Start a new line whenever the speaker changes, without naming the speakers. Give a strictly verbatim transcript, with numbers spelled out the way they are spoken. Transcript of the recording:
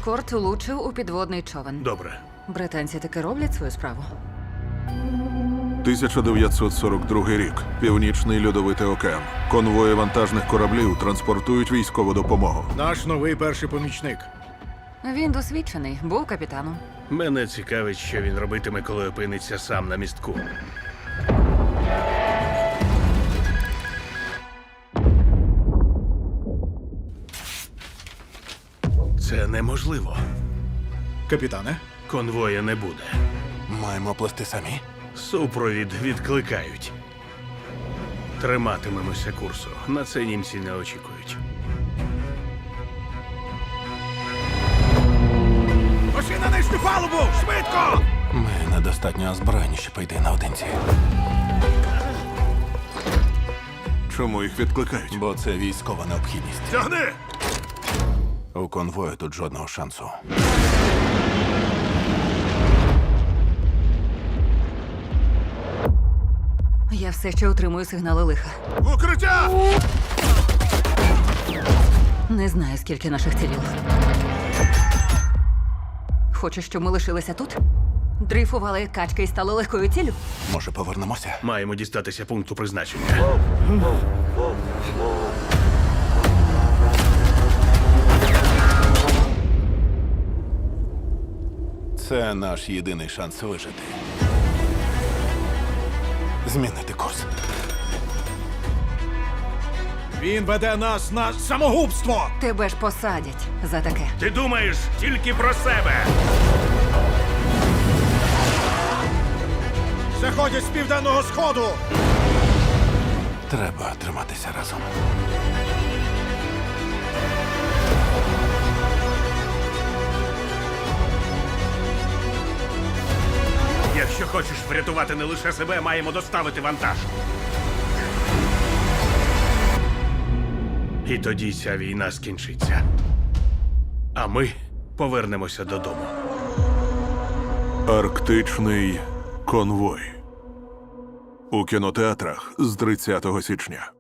ескорт влучив у підводний човен.
Добре.
Британці таки роблять свою справу.
тисяча дев'ятсот сорок другий рік. Північний льодовитий океан. Конвої вантажних кораблів транспортують військову допомогу.
Наш новий перший помічник.
Він досвідчений, був капітаном.
Мене цікавить, що він робитиме, коли опиниться сам на містку. Це неможливо.
Капітане,
Конвоя не буде.
Маємо плести самі.
Супровід відкликають. Триматимемося курсу. На це німці не очікують.
пошли на нижню палубу! Швидко!
Ми недостатньо озброєні, щоб йти наодинці.
Чому їх відкликають?
Бо це військова необхідність.
Тягни!
У конвою тут жодного шансу.
Я все ще отримую сигнали лиха.
Укриття!
Не знаю, скільки наших цілів. Хочеш, щоб ми лишилися тут? Дрейфували як качки і стали легкою ціллю?
Може, повернемося?
Маємо дістатися пункту призначення.
Це наш єдиний шанс вижити. Змінити курс.
Він веде нас на самогубство!
Тебе ж посадять за таке.
Ти думаєш тільки про себе.
Заходять з південного сходу!
Треба триматися разом.
Якщо хочеш врятувати не лише себе, маємо доставити вантаж. І тоді ця війна скінчиться. А ми повернемося додому.
Арктичний конвой. У кінотеатрах з тридцятого січня.